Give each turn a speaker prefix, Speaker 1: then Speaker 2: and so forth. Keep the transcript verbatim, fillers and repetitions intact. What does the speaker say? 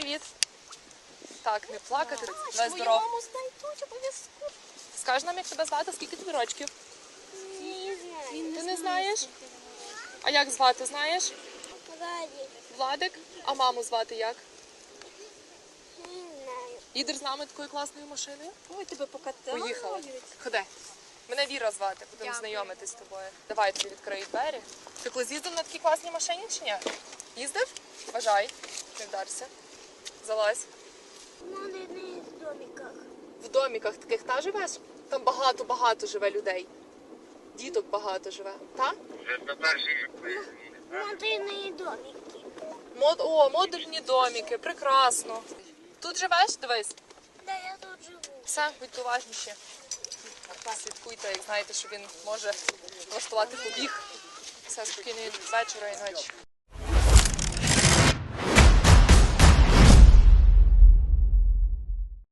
Speaker 1: привіт. Так, не плакати.
Speaker 2: Твою
Speaker 1: Давай здоров.
Speaker 2: маму знайдуть обов'язково.
Speaker 1: Скажи нам, як тебе звати, скільки тобі рочків?
Speaker 2: Не знаю.
Speaker 1: Ти не знаєш? А як звати, знаєш?
Speaker 2: Владик.
Speaker 1: Владик? А маму звати як?
Speaker 2: Не знаю.
Speaker 1: Їдеш з нами такою класною машиною?
Speaker 2: Ой, тебе покатали.
Speaker 1: Поїхали. Ходи. Мене Віра звати, будемо знайомитись з тобою. Давай тобі відкрию двері. Ти колись їздив на такій класній машині чи ні? Їздив? Бажай. Не вдарся. Залазь.
Speaker 2: Ну, не в домиках.
Speaker 1: В доміках таких та живеш? Там багато-багато живе людей. Діток багато живе. Та?
Speaker 2: Модельные домики.
Speaker 1: Мод... О, модульні доміки, прекрасно. Тут живеш? Дивись.
Speaker 2: Да, я тут живу.
Speaker 1: Все, будьте уважніші. Слідкуйте, як знаєте, що він може влаштувати побіг. Все, спокійної вечора і ночі.